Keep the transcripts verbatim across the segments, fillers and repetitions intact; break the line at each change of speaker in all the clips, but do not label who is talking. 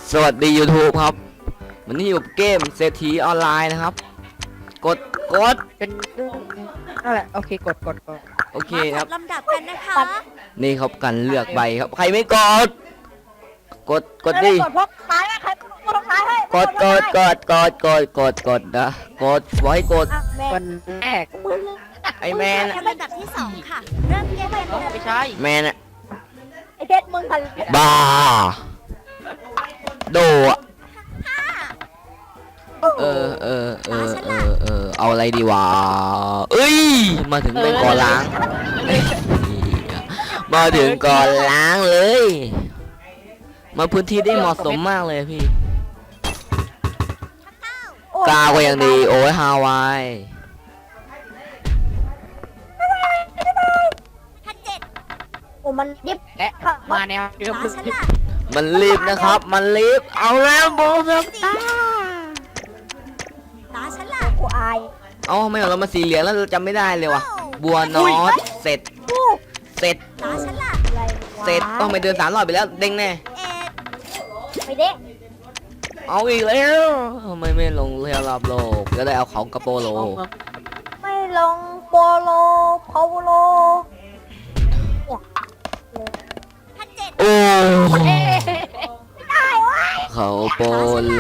สวัสดี YouTube ครับวันนี้อยู่เกมเศรษฐีออนไลน์นะครับกดกด
เป็นนั่นแหละโอเคกดกดกด
โอเคครับ
ลำดับกันนะคะ
นี่ครับกันเลือกใบครับใครไม่กดกดกดดิ
กดพกท้ายใครกดท้ายให้
กดกดกดกดกดกดกดนะกดไว้กด
คนแรก
ไอแมน
ลำดับที่สองค่ะ เริ่มเกมเลย
ไม่ใช่
แมนอะ
ไอเพชรมึงทัน
บ้าโดอะเออเออเออเออเออเอาอะไรดีวะเอ้ยมาถึงเป็นก่อล้างมาถึงก่อนล้างเลย มาพื้นที่ได้เหมาะสมมากเลยพี่กาวก็ยังดีโอ้ยฮาวาย
พันเจ็ด
โอ้มันดิบและมาแนวเดิม
ตาฉันล่ะ
มันรีบนะครับมันรีบเอาแล้วโบแบบตา
ตาฉันล่ะ
กูอาย
เอ้าไม่เรามาสีเหลืองแล้วเราจำไม่ได้เลยวะบัวนอตเสร็จเสร็จ
ตาฉันล่ะ
อะไร
เสร็จต้องไปเดินสามรอบไปแล้วเด้งแน่
เอ็ด
ไม่เด้
เอาอีกแล้วทำไมไม่ลงเรือรอบโลกก็ได้เอาเขากระโปโล
ไม่ลงโปโลพาวโล
พันเจ็ด
โอ้
ได้วะ
เขาโปโล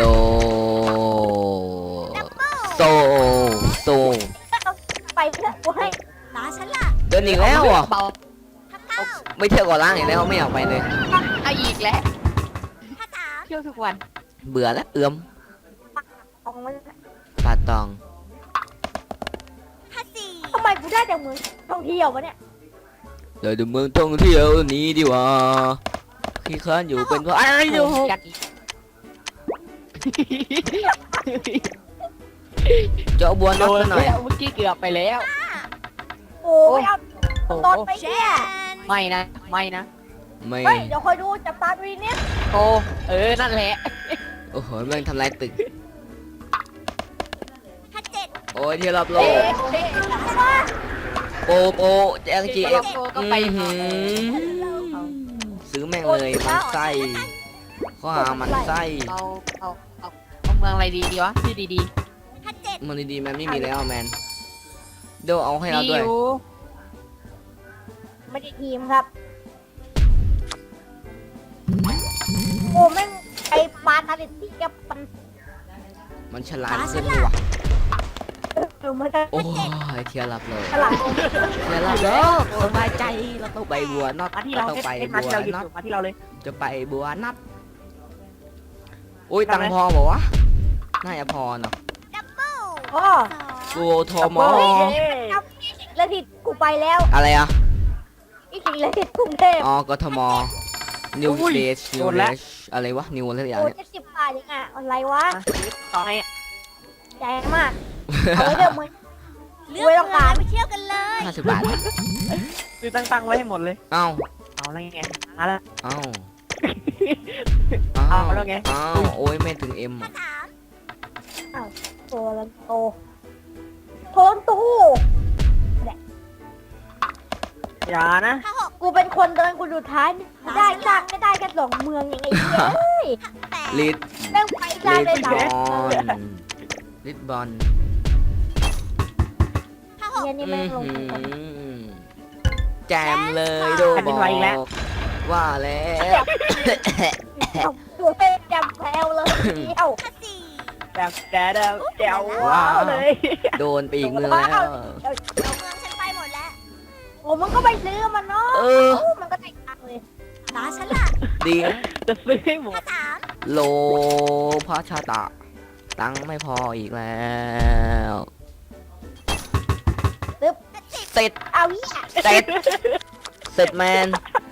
โซโซ
ไปเถอะกูให้
ตาฉันล่ะ
เดินอีกแล้วอ่ะ
พันเก้า
ไม่เที่ยวก่อนล่างอีกแล้วไม่อยากไปเลย
เอาอีกแล้ว
พันสาม
เที่ยวทุกวัน
เบื่อแล้วเอื้อม
ของมัน
ปาตอง
พันสี่
ทำไมกูได้แต่มือท่องเที่ยววะเนี่ย
เดี๋ยวดูเมืองท่องเที่ยวนี้ดีกว่าขี้ค้านอยู่เป็นเพราะอะไรอยู่ จะเอาบัวน็อตซะหน่อย
เมื่อกี้เกือบไปแล้ว โอ้ยเอาตอนไป
เช
เนี่ย
น
ไม่นะ ไม่นะ
ไม่
เฮ้ย เดี๋ยวคอยดูจับตาดูนิดโอ้เออ นั่นแหละ
โอ้โหแม่งทำลายตึก
พันเจ็ด
โอ้ยเที่ยวรอบโล
เอ๊
ก
ะเอ๊ะ
โปโปแจงจีเอฟ
ก็ไป
ซื้อแม่งเลยมันไส้ข้อหามันไส้
เอาเอาเอาเอาเมืองอะไรดีดีวะชื่อดีดี
พันเจ็ด
มันดีๆมันไม่มีแล้วแมนเดี๋ยวเอาให้เรา
มี
ด้วย
อยู่ไม่ได้ทีมครับ โอ้แม่งไอ้ปลาทะเลที่แกปัน
มันฉลาดขึ้นเลยว่ะ
เออมันจะ
โอ้ยเที่ยวรับโลก
ฉลาด
เที่ยวรับโลกสบายใจเราต้องไปบัวน็อต
มาที่
เรา
เรา
ต้องไป
เอ็ดมา
บัว
ที่เราหยุด
น็อต
อยู่มาที่เราเลย
จะไปบัวน็อตอุ้ยตังค์พอบอกว่าน่าจะพอเนาะ
ดับเบิ้ล
อ๋อ
สอง
กูโทรมอ
แล้วที่กูไปแล้ว
อะไรอ่ะ
อีกสิ่งเลยที่กรุงเทพ
อ๋อกทมนิว
อุ้ย
เดชนิ
โด
วน เด
แล้ว
ชอะไรวะนิวอะไรอย่าง
โอ้
เนี้ย
เจ็ดสิบบาทยังไงอะไรวะ
ต่อให้
ใหญ่มากเอาไว้เดี๋ยวมึง
เลือก
ไว้
เมื
ต้
อ
อง งการ
ไปเที่ยวกันเลย
ห้าสิบบาท
ซื้อตั้งๆไว้ให้หมดเลย
เอ้า
เอาแล้วไงเอาละ
เอ้า
เอาแล้วไง
เอ้าโอ้ยไม่ถึงเอ็ม
พันสาม
โตแล้วโตโทนตู้
อย่านะ
พันหก
กูเป็นคนเดินกูดูท้ายไม่ได้สร้างไม่ได้แค่สองเมืองอย่างไงเฮ้ย
พันแปด
ลิด
แม่งไปสร้าง
ลิ
ได้
ด
สาม
บอลลิดบอล
พันหก
เนี่ยนี่แม่งลง
อื้อ
ทุน
หือแจมเลยโดบอกว่าแล้ว
เอาตัวเป็นจำแพลวเลยเดียว
พันสี่
แบบแจ๋วแจ๋วว้าวเลย
โดนไปอีกเมืองแล้ว
เอาเมืองฉันไปหมดแล้ว
โอ้มันก็ไปซื้อมันเนาะ
เออ
มันก็ได้ตังค์เลย
ตาฉันล่ะ
ดีนะ
จะซื้อให้หม
พั
ด
นสาม
โลพระชาตะ ตังค์ไม่พออีกแล้ว เสร็จ
เอาเหี้ย
เสร็จ เสร็จแมน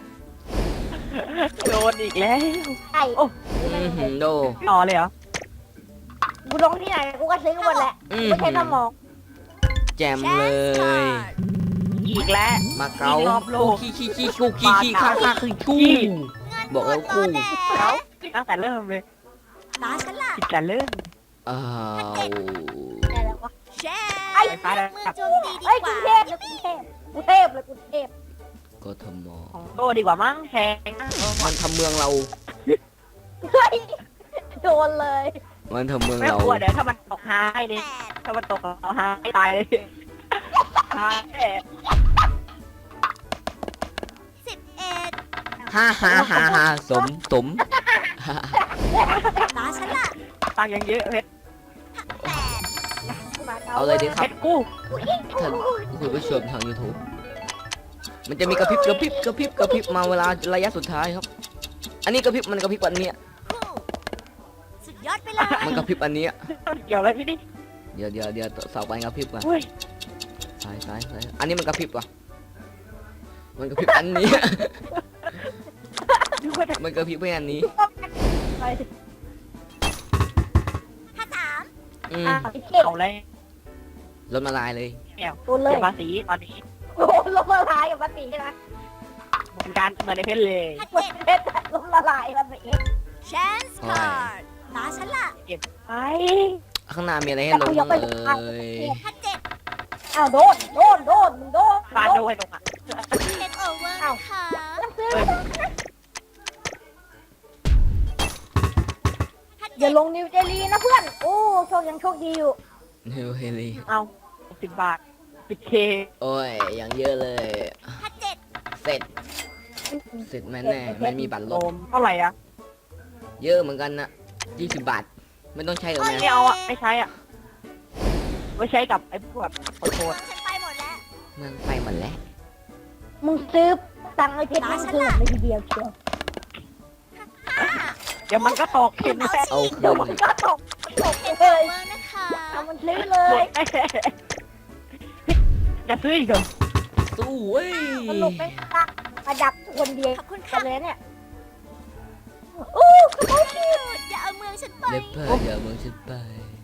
โดนอีกแล้ว
ไอ้
อือหือโด
ต่อเลยเหรอ
กูลงที่ไหนกูก็ซื้อหมดแหละ
อือ
ไม่ใช่
หื
ส
อ
มอง
แจมเลย
อีกแล้ว
มาเก๊า
วิ่งรอบโลก
ขี้ขี้ขี้คู่ขี้ขี้ข้าข้าคือคู่บอกแล้วคู่
เขาตั้งแต่เริ่มเลย
ตาฉันล่ะ
ตั้งแต่เริ่ม
อ้าว
ได้แล้ววะ
แช
ไอ้
ร์เมืองโจมตีดี
เอ้ย
ก
กรุ
ว่าง
เทพเลยกรุงเทพกรุงเทพเลยกรุงเทพ
กทม
ของโตดีกว่ามั้งแพงนะ
มันทำเมืองเรา
เฮ้ยโดนเลย
มันทำเมือง
ไม่
เรา
กลัวเดี๋ยวถ้ามันตกหายดิ
แปด
ถ้ามันตกเราหายตายเลยหายแน่
สิบเอ็ด
ฮ่าฮ่าฮ่าฮ่าสมสม
ตาฉันล่ะ
ตังค์ยังเยอะเพชร
แปด
เอาเลยดิค
เพ
รับ
ชรกู้
ท่านคุณผู้ชมทาง YouTube มันจะมีกระพริบกระพริบกระพริบกระพริบมาเวลาระยะสุดท้ายครับ อันนี้กระพริบมันกระพริบอันเนี้ย
คู่สุดยอดไปเลย
มันกระพริบอันเนี้ย
เกี่ยวอะไรพี่ดิ
เดี๋ยวเดี๋ยวเดี๋ยวสาวไปกระพริบก่อน
อุ้ย
ซ้ายซ้ายซ้ายอันนี้มันกระพริบว่ะมันกระพริบอันนี้
ดูว่าแต่
มันกระพริบไปอันนี้
ไป
ห้าสาม
อืม
อ่ะไอ้เจ็ด
เอาเลย
รถมาลายเลย
แก้ว
โดนเลย
เสียภาษีตอนนี้
โอ้โหลมละลายกับภาษีใช่ไหม
เหมือนกันเหมือนในเพชรเลย
ห้า
หมด
เจ็ด
เพชรลมละลายภาษี
แชนส์คาร์ดตาฉันล่ะ
เก็บไป
ข้างหน้ามีอะไรให้ลงบ้างเอ่ย
ห้าเจ็ด
อ้าวโดนโดนโดนมึงโดน
ฟาด
โด
โด
น
ให้ตรงอ่ะ
เอ็ดโอเวอร์นะคะ
ต้องซื้อ
ห้า
อย่า
เจ็ด
ลงนิวเจลีนะเพื่อนโอ้โชคยังโชคดีอยู่
นิวเฮลี
เอาสิบบาทสิบเค
โอ้ยอย่างเยอะเลย
ห้าเจ็ด
เสร็จเสร็จแม่แน่มันมีบัตรล
โล
บ
มเท่าไหร่อ่ะ
เยอะเหมือนกันนะยี่สิบบาทไม่ต้องใช้หรอกแม่
ไม่เอาอ่ะไม่ใช้อ่ะไม่ใช้กับไอ้พวกขอโท
เมือ
ษ
งฉันไปหมดแล้ว
เมืองไปหมดแล้ว
มึงซื้อตังค์ไอ้เพชรมึงซื้อในทีเดียวเชียว
เดี๋ยวมันก็ตกเห็นไหม
เอาคื
เดี๋ยวน มันก็ตกตก
เอ็ด
เล
โอย เวอร์นะคะ
เอามันซื้อเล
หม
ย
ดแน่จะซื้ออีกเหรอ
สู้เว้ย
สนุกเป็นตักมาดักคนเดียว
ขอบคุณ
กั
ค่ะ
นเลยเนี่ยอู้กระเป๋าชี
อย่าเอาเมืองฉันไป
เล็บเพื่ออย่าเมืองฉันไป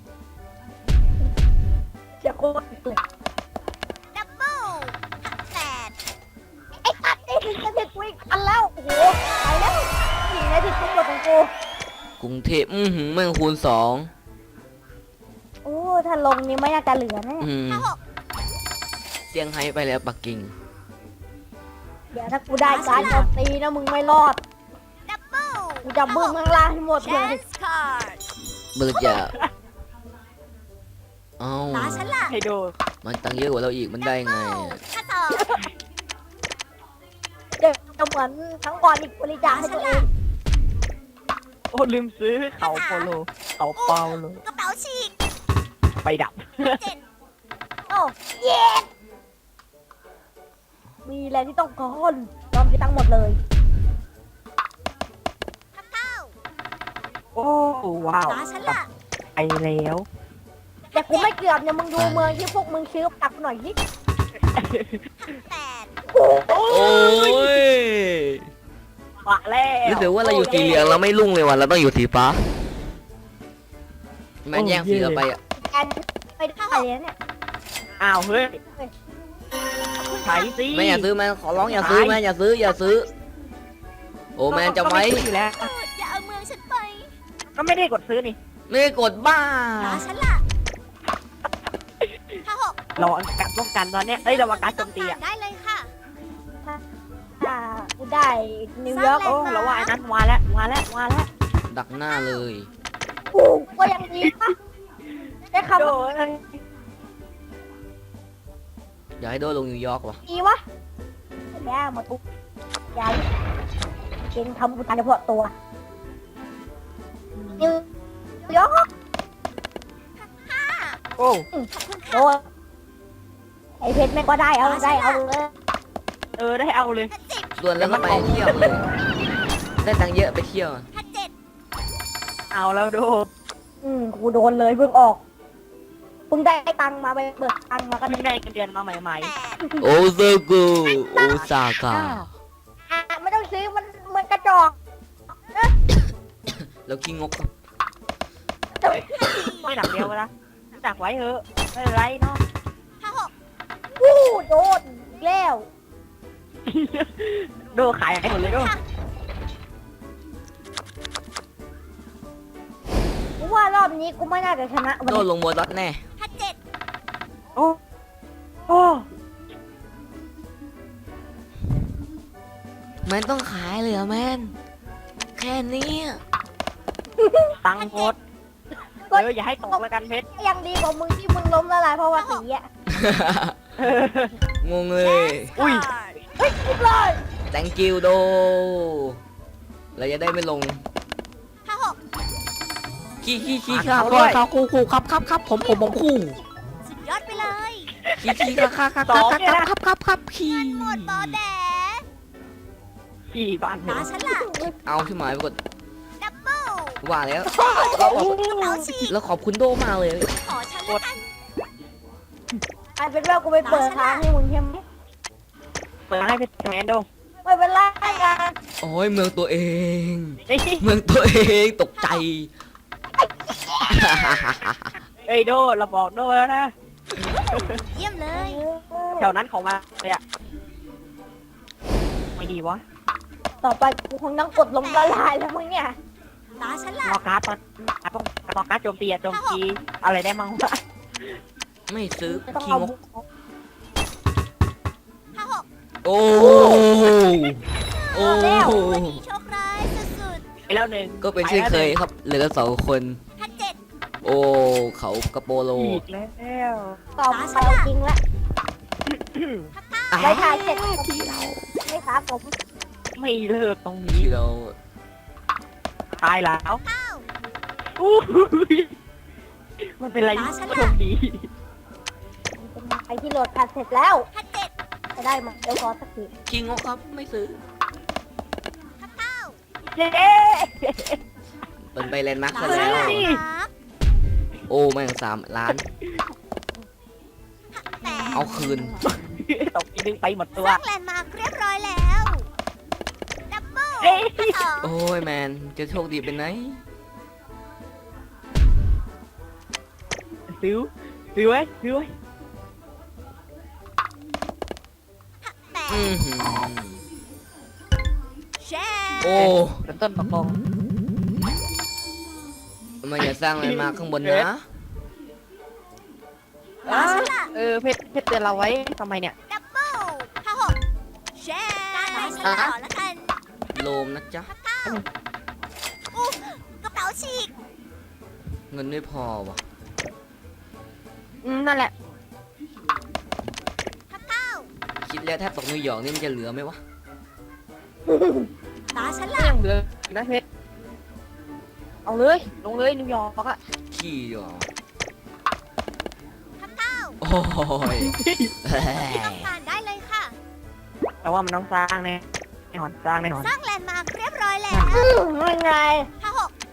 จะโคตรเลย
ดับเบิลแปด
ไอ้ตัดไอ้ถึงจะติดกูอีกอันแล้วโอ้โหไปแล้วหญิงในที่สุดของกู
กรุงเทพอือหือเมืองคูณสอง
โอ้ถ้าลงนี่ไม่น่าจะเหลือแน่
อืม
ห้าหก
เซี่ยงไฮ้ไปแล้วปักกิ่ง
เดี๋ยวถ้ากูได้การโจมตีนะมึงไม่รอด
ดับเบิล
กูจะบึ้มข้างล่างให้หมด
แช
เลย
นส์คาร์ด
เบิร์จะเอ้า
ตาฉันล่ะ
ให้ดู
มันตังเยอะกว่าเราอีกมันได้ไง
ห้าสอง
เดี๋ยวจะเหมือนทั้งก่อนอีกบริจาคให้ตัวเอง
โอ้ลืมซื้อเขาโปโลเขาเปาโล
กระเป๋าฉีก
ไปดับ
เจ็ด
โอ้เย้มีอะไรที่ต้องการยอมที่ตั้งหมดเลย
ห้าเก้า
โอ้ว้าว
ตาฉันล่ะ
ไปแล้ว
แต่กูไม่เกือบเนี่ยมึงดูเมืองที่พวกมึงซื้อตักหน่อยสิ
แปด
โอ้ย
มาแล้ว
รู้สึกว่าเราอยู่สีเหลืองเราไม่รุ่งเลยว่ะเราต้องอยู่สีฟ้าแมันแย่งสีเราไปอ่ะ
แอนไปได้เลยเนี่ย
อ้าวเฮ้ยใช้สิ
แม่อย่าซื้อแม่ขอร้องอย่าซื้อแม่อย่าซื้ออย่าซื้อ โอ้แม่จะไว้
ก็ม่ซื้ออยู่แล้ว
เอออย่าเอาเมืองฉันไป
ก็ไม่ได้กดซื้อนี่
ไม่ได้กดบ้า
ตาฉันล่ะห้าหก
เราเอาการป้องกันตอนเนี้ยเอ้ยเราเอาการโจมตีอ่ะ
ได้เลยค่ะ
ถ้ากูได้นิวยอร์ก
โอ้เราว่าไอ้นั้นมาแล้วมาแล้วมาแล้ว
ดักหน้าเลย
กูก็ยังดีปะได้คำ
โด
ว่าน
อยากให้โดนลงนิวยอร์กว่ะ
ดีวะแม่หมดปุ๊บยายเก่งทำกูตายเฉพาะตัวนิวยอร์ก
โอ้
ขอบคุณ
โด
ค่ะ
นไอเพชรแม่งก็ได้เอาได้เอาเลย
เออได้เอาเลย
ห้าสิบ
ส่วนแล้วก็ไปเที่ยวเลย ได้ตังค์เยอะไปเที่ยวอะ
ห้าเจ็ด
เอาแล้วดู
อืมกูโดนเลยเพิ่งออกเพิ่งได้ตังค์มาไปเบิกตังค์มาก็
เพิ่งได้เงินเดือนมาใหม่
แปด
โอซากุโอซาก้า
อ่ะไม่ต้องซื้อมันมันกระจอก
แล้วขี้งกครับ
ๆไม่หนักเดียวนะจักไว้เถอะไม่เป็นไรเนาะ
ห้าหก
วู้โดนอีกแล้ว
ดูขายให้หมดเลยดู
กูว่ารอบนี้กูไม่น่าจะชนะวัน
โดน
นี้
ลงโบดอทแน่
ห้าเจ็ด
โอ้โอ้
แมนต้องขายเลยเหรอแมนแค่นี้อะ
ตังค์หมดเอออย่าให้ตกแล้วกันเพชร
ยังดีกว่ามึงที่มึงล้มละลายเพราะว่าสีอ่ะ
งงเลย
อุ้ย
เฮ้ยอีกเลย
thank you โดเราจะได้ไม่ลง
ห้าหก
ขี้ขี้ขี้ครับครับคู่คู่ครับครับครับผมผมผมคู่
สุดยอดไปเลย
ขี้ขี้ครับครับครับครับครับครับครับขี้
หมดบอแด
ขี่บ้านเพ
ตา
ชร
ฉันล่ะ
เอาที่หมายไปกด
ดับเบิ้ล
ว่าแล้ว
เอาฉีก
แล้วขอบคุณโดมากเลย
ขอฉันละกัน
ไอ้เป็นว่ากูไปเปิดร้านให้มึงใช่ไหม
เปิดให้เพชรแมนดู
ไม่เป็นไรกัน
โอ้ยเมืองตัวเอง
นี่
เมืองตัวเองตกใจ
เอ้ยโดเราบอกโดแล้วนะ
เยี่ยมเลย
แถวนั้นของมาเลยอะไม่ดีวะ
ต่อไปกูคงต้องกดลมละลายแล้วมึงเนี่ย
ตาฉันล่ะ
รอการ์ดตอนต้องรอการ์ดโจมตีอะโจมตีอะไรได้มั่งวะ
ไม่ซื้อ
ต้อง
ขี้
เอา
งก
ห้าหก
โอ้โอ้
วันนี้โชคร้ายสุด
ไปแล้วหนึ่ง
ก็เป็นเช่นเคยครับเหลือกันสองคน
ๆห้าเจ็ด
โอ้เขากระโปโล
อีกแล้ว
ต่อไปจริงละ
อ่ะ
ได้ถ่ายเสร็จ
ที่เรา
ไม่ครับผม
ไม่เลิกตรงนี้
ที่เรา
ตายแล้ว
เก้า
อู้ยมันเป็นอะไรที่โชคดี
เป็นไอที่โหลดแพทเสร็จแล้ว
ห้าเจ็ด
จะได้มาเดี๋ยวขอสักที
ขี้งกครับไม่ซื้อ
ห้าเก้า
เย้
เปิดไปแลนด์มาร์ค
ตา
ซะ
ฉั
แล้
น
ว
ล่ะ
โอ้แม่งสามล้าน
แปด
เอาคืน
ตกทีนึงไปหมดตัว
สร้างแลนด์มาร์คเรียบร้อยแล้ว ดับเบิ้ล
เอ้ย
สอง
โอ้ยแมนจะโชคดีเป็นไหน
ซื้อซื้อไว้ซื้อไว้
แปด
อื้อหือ
แชร์
โอ้
ต้นต้นประกอง
ทำไมอย่าสร้างแลนด์มาร์คข้างบนนะ
ตาฉันล่ะ
เออเพชรเพชรเตือนเราไว้ทำไมเนี่ย
ดับเบิ้ลห้าหกแชร์ตาฉันต่อแล้วกัน
โลมนะจ๊ะ
เก้าอู้กระเป๋าฉีก
เงินไม่พอวะ
อืมนั่นแหละ
ห้าเก้า
คิดแล้วแทบตกนิวยอร์กนี่มันจะเหลือไหมวะ
ตาฉัน
ก็
ล่ะ
ยังเหลือนะเพชรเอาเลยลงเลยนิวยอร์กอะ
ขี้หรอ
ห้าเก้า
โอ้ย
ที่ต้องการได้เลยค่ะ
แต่ว่ามันต้องสร้างแน่แน่นอนสร้างแน่นอน
สร้างแลนด์มาร์คเรียบร้อยแล้ว
อืมยังไง
ห้าหก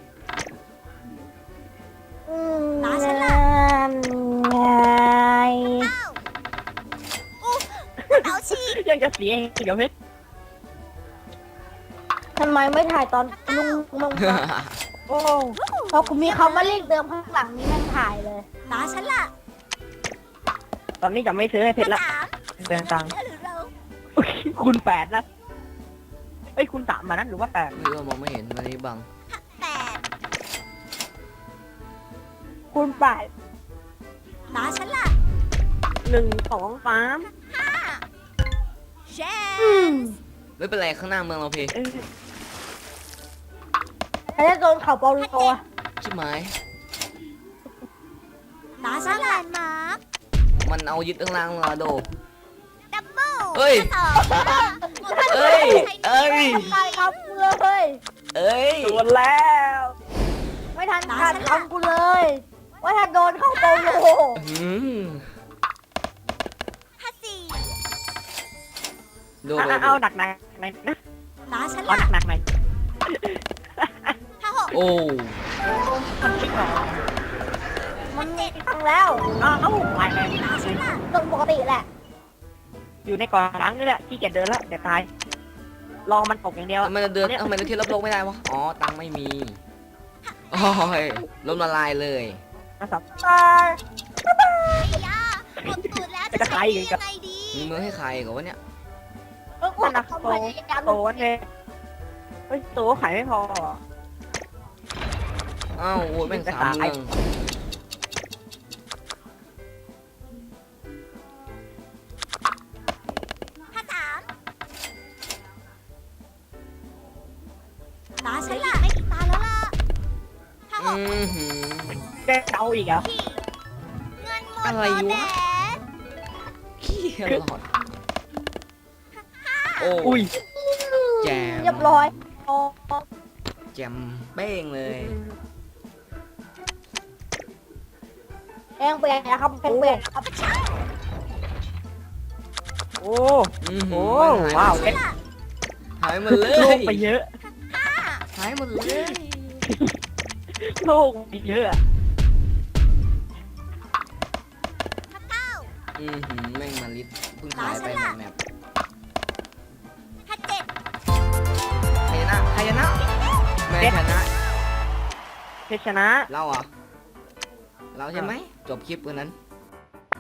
อืม
ตาฉันล่ะ
ไง
เก้าอู้กระเป๋าฉีก
ยังจะเสียอีกเดี๋ยวเพชร
ทำไมไม่ถ่ายตอนลุงลงมา
โอ้
พอคุณมีคำว่าเลขเดิมข้างหลังนี้แม่งถ่ายเลย
ตาฉันล่ะ
ตอนนี้จะไม่ซื้อให้เพชรละ
สาม
เตือนตังค์
เธอหรือเรา
คุณแปดนะเอ้ยคุณสามมานั้นหรือว่าแปด
ไม่รู้ว่ามองไม่เห็นวันนี้บัง
แปด
คุณป่าย
ตาฉันล่ะ
หนึ่งสองสาม
ห้าแช
อืม
ร์
ไม่เป็นไรข้างหน้าเมืองเราเพ
เออ
แล้วจะโดนเขาเปาโลอะ
ชิบหมาย
ตาฉันล่ะแลนด์มาร์ค
มันเอายึดข้างล่างเราโด
ดับเบิ้ล
เฮ้ย
สอง
เอ้ย เอ้ย
ทำลายคำกูเลย
เอ้ย
โดนแล้ว
ไม่ทันขาดคำกูเลย ว่าถ้าโดนเข้าเปาโล
อืม
ห้าสี่
โด
เอา
โด
เอาหนักหนักหน่อยนะ
ตาฉัน
เอา
ล่ะ
หนักหนักหน่อย
ห้าหก
โอ้
มันไม่พอ
มันมีตังแล้ว
เอาเอาไปเลย
ตาฉันล่ะ
ตรงปกติแหละ
อยู่ในก่อนหลังนี่แหละที่เกียจเดินแล้วเดี๋ยวตายรอมันตกอย่างเดียว
ทำไมเราเดินทำไมเราเที่ยวรับโลกไม่ได้วะ อ๋อ ตังค์ไม่มี โอ้ยล้มละลายเลย
นะครับ
ตาย
ไอ้ยาหมดตูดแล้วจะใช้หนี้ยังไงดี
มีเมืองให้ใครก่อนวะเนี่ย
เออ
นั่นนะ
เขา
โต
พยายาม
โตวันเลยเฮ้ยโตขายไม่พอ
อ้าวโอ้ยแม่งสามเมือง
ห้าสามตาฉันล่ะไม่อีกตาแล้วล่ะ
อหือ
แกเอาอีกเหรอ่ะ
พี่เงินหมด
อะไร
แล้ว
วะ
แหม
ขี้หลอดโอ้
อุ้ย
แจม
เรียบร้อยอ๋อ
แจมเป้งเลย
แองเปลี่ยนนะครับแองเปลี่ยนครับ
โอ้
อือหื
โอ้
อมันหาย
ว้าว
หมดหายหมดเล
โล
ย
กไปเยอะ
หายหมดเลย
โลกไปเยอะอะ
เก้า
อือหือแม่งมาลิสเพิ่งหายไปแมป
ห้าเจ็ด
ใครชนะใครชนะแม่ชนะ
เพชรชนะ
เราเหรอ่ะเราใช่ไหมจบคลิปวันนั้น